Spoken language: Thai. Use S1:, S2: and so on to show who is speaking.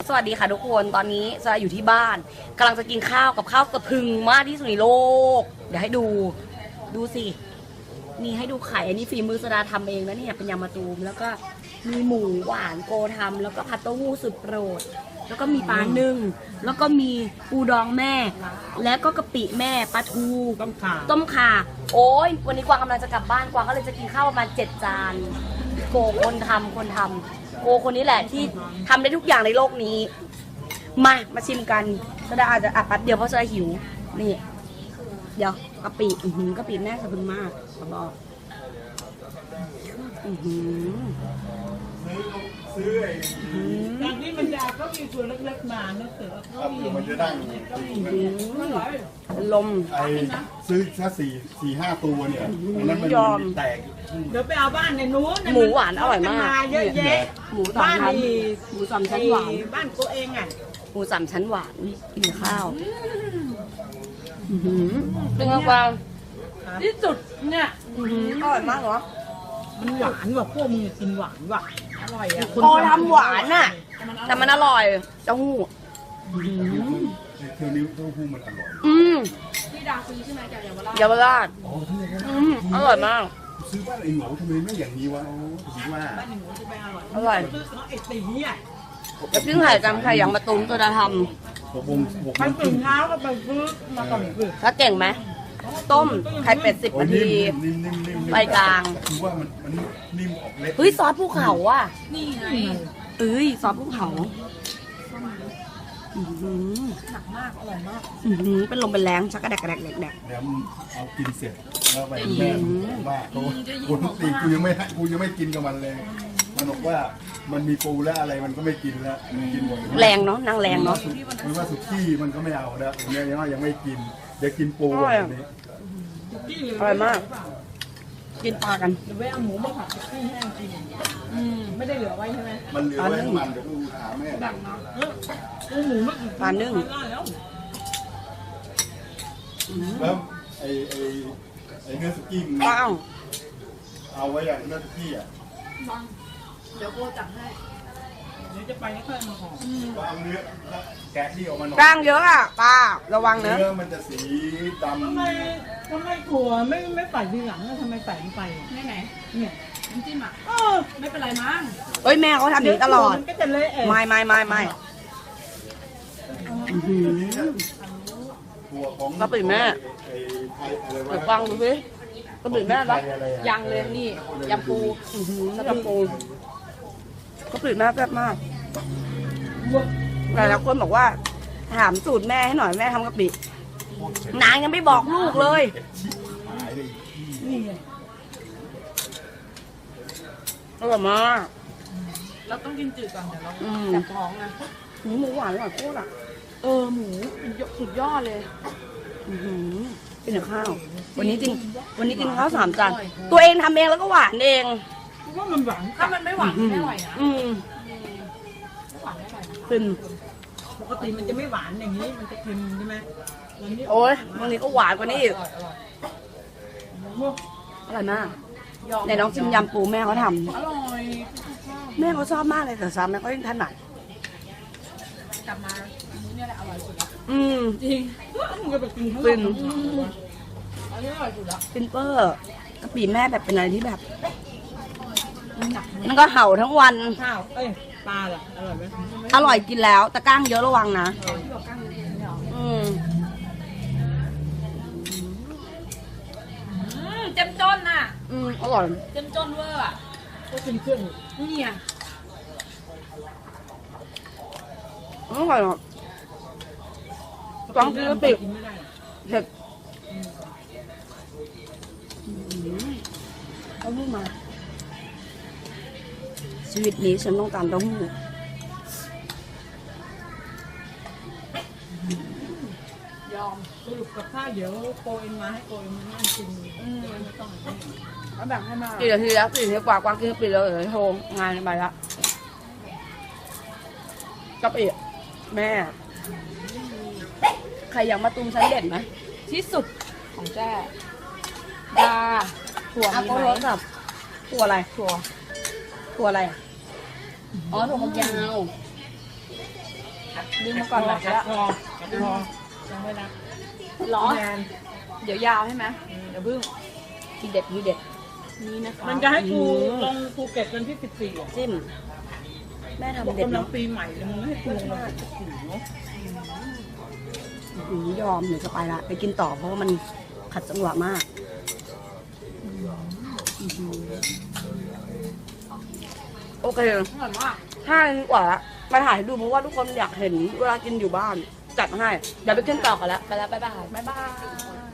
S1: สวัสดีค่ะทุกคนตอนนี้จะอยู่ที่บ้านกำลังจะกินข้าวกับข้าวสะพรึงมากที่สุดในโลกเดี๋ยวให้ดูสินี่ให้ดูไข่อันนี้ฝีมือสดาทำเองนะเนี่ยเป็นยำมะตูมแล้วก็มีหมูหวานโกทำแล้วก็ผัดเต้าหู้สุดโปรดแล้วก็มีปลานึ่งแล้วก็มีปูดองแม่แล้วก็กะปิแม่ปลาทูต้มข่าโอ้ยวันนี้กวางกำลังจะกลับบ้านกวางก็เลยจะกินข้าวประมาณ7 จานโกคนทำโกคนนี้แหละที่ทำได้ทุกอย่างในโลกนี้มาชิมกันสดาอาจจะแป๊บเดียวเพราะสดาหิวนี่เดี๋ยวกะปิกะปิแม่สะพรึงมากขอบอก
S2: จากนี้มันจะก็มีส่วนเล็กๆมาเนื้อเสือก็มี
S3: มันจะดั้ง
S1: ลม
S3: ซื้อแค่4-5 ตัวเนี่ยอันนั้นมันแตก
S2: เดี๋ยวไปเอาบ้านในนู้น
S1: หมูหวานอร่อยมาก
S2: เยอะแยะ
S1: หมูสามชั้นหวาน
S2: บ้านตัวเองอ่ะ
S1: หมู3 ชั้นหวานกินข้าวเป็นไงบ้าง
S2: ที่สุดเนี่ย
S1: อร่อยมากเหรอ
S2: มันหวานว่ะพวกมึงกินหวานว่ะอร่อยอ่ะ
S1: พอทำหวานน่ะแต่มันอร่อยเต้าหู้
S3: เธอนิ้วเต้าหู้มันอร่อย
S4: ที่ดาซื้อใช่ไหมจาก
S1: เยาวราชอร่อยมาก
S3: ซื้อบ้านไอ้หนูทำไมไม่อย่างนี้วะถือว่า
S2: บ้านไอ้หนูจะไปอร่อย
S1: อร่อย
S2: ซื้อไอ้ตีเนี่ย
S1: แล้วซึ่งไข่จำไข่อย่างมะตูมตัวจะท
S2: ไปตื่นเช้าก็ไปซื้อมาก่อนซื้อ
S1: ำถ้าเก่งไหมต้มไข่เป็ด10 นาทีไปกลาง
S3: คือว่ามันนิ่มออกเล็ก
S1: เฮ้ยซอสภูเขาอ่ะ
S4: นี่ไง
S1: ซอสภูเขา
S4: หนักมากอร่อยมาก
S1: เป็นลมเป็นแรงชักกระแดกแดก
S3: เดี๋ยวเอากินเสร็จแล้วไปแม่ว่ากูตีกูยังไม่กินกับมันเลยมันบอกว่ามันมีปูแล้วอะไรมันก็ไม่กินแล้วกินหมด
S1: แรงเนาะนางแรงเนาะ
S3: หรือว่าสุกี้มันก็ไม่เอาแล้วเนี่ยยังไม่กินเดี๋ยวกินปูแบบนี้
S1: อร่อยมากกินปลากัน
S2: เดี๋ยวไปเอาหมูมาผัดให้แห้งกินไม่ได้เหลือไว้ใช่ไหม
S3: มันเหลือไว้ทั้งมันเดี๋ยวดูถามแม่ดังนะ
S2: หมู
S1: ปลานึ่ง
S3: แล้วไอ้เนื้อสุกี้มันเอาไว้อย่างเนื้อสุกี้อ่ะ
S4: เดี๋ยวโบจับให้
S2: เดี๋ยวจะไปให้เพื่อนมาห่อ
S3: เอาเนื้อแกะที่ออกมาหน่อย
S1: กล้างเยอะอ่ะปลาระวังเนื้
S3: อมันจะสีดำ
S2: ทำไมถั่วไม่ใส่ทีหลังทำไมใส่ไป
S4: ไม่ไหน
S2: เนี่ย
S4: น้ำจิ้มอ่ะไม่เป็นไรมั้ง
S1: เฮ้ยแม่เขาทำอย่างนี้ตลอด
S2: ก็จะเละ
S1: ไม่กระปิแม่เดี๋ยวฟังดูสิกระปิแม่ปะ
S4: ยังเลยนี่ยำปู
S1: ยำปูกระปิแม่แซ่บมากหลายคนบอกว่าถามสูตรแม่ให้หน่อยแม่ทำกะปินางยังไม่บอกลูกเลยอร่อยมาก
S4: เราต้องกินจืดก่อนเดี๋ยวเราจับท้องนะ
S1: หมูหวานอร่อยโคตรอ่ะ
S4: หมูสุดยอดเลย
S1: กินแต่ข้าววันนี้กินข้าว3 จานตัวเองทำเองแล้วก็หวานเอง
S2: ว่ามันหวาน
S4: ถ้ามันไม่หวานไม่อร่อยนะหวานไม่อร่อยนะ
S1: ขึ้น
S2: ปกติมันจะไม่หวานอย่างนี้มันจะเค็มใช่ไหม
S1: โอ้ยวันนี้ก็หวานกว่านี้อีกอร่อยมากในน้องชิมยำปูแม่เขาทำ
S4: อร่อย
S1: แม่เขาชอบมากเลยแต่ซ้ำแม่เขายิ่งถนัด
S4: กลับมาเนี่ยแหละอร่อยสุดละ
S2: จริงมึงก็ไปกินข้าว
S1: ฟิน
S4: อันนี้อร่อยสุดละ
S1: ฟินเปอร์กะปิแม่แบบเป็นอะไรที่แบบนั่นก็เห่าทั้งวัน
S2: ข้าวปลาล่ะอร่อยไหม
S1: อร่อยกินแล้วแต่ก้างเยอะระวังนะ
S4: เจ้มจนน่ะ
S1: อร่อย
S4: เจ้มจนเวอร์อ่ะ
S2: ก็เป็นเครื่อง
S4: นี่อ่ะ
S1: อร่อยอ่ะฟังกินกะปิเผ็ดเอาลูกมาชีวิตนี้ฉันต้องการเต้าหู้
S2: ยอมสรุปกับข้าวเดี๋ยวโกเอ็นมาให้โกเอ็นมานั่งกินไม่ต้อง
S4: แล้วแบ่งให้มา
S1: กี่นาทีแล้ว4 นาทีกว่ากวางกินปิดเลยโทรงานไปละกะปิแม่ใครอยากมาตุ้มชั้นเด่นไหม
S4: ที่สุดของแจ้ดาถั่วมีไหม
S1: ถั่วอะไรถั่วอะไรอ๋อถั่วฝักยาว
S4: ดึงมาก่อนหน่อยก็ได้
S2: พอยังไม่รับ
S4: หรอ
S2: แทน
S4: เดี๋ยวยาวใช่ไหมเดี๋ยวพึ่ง
S1: ทีเด็ดทีเด็ด
S4: นี่นะคะ
S2: มันจะให้กูลงภูเก็ตวันที่14อ่ะ
S1: จิ้มแม่ทำเด็ด
S2: กำลัง
S1: เนาะ
S2: ปีใหม่เลยมึงไม่ให้กูลงวันที่14เนาะ
S1: ยอมเดี๋ยวจะไปละไปกินต่อเพราะว่ามันขัดจังหวะมากโอเค
S4: อร่อยมาก
S1: ถ้าดีกว่าละมาถ่ายให้ดูเพราะว่าทุกคนอยากเห็นเวลากินอยู่บ้านจัดมาให้เดี๋ยวไปกินต่อกันแล้วไปแล้วบ๊ายบาย
S4: บ๊ายบาย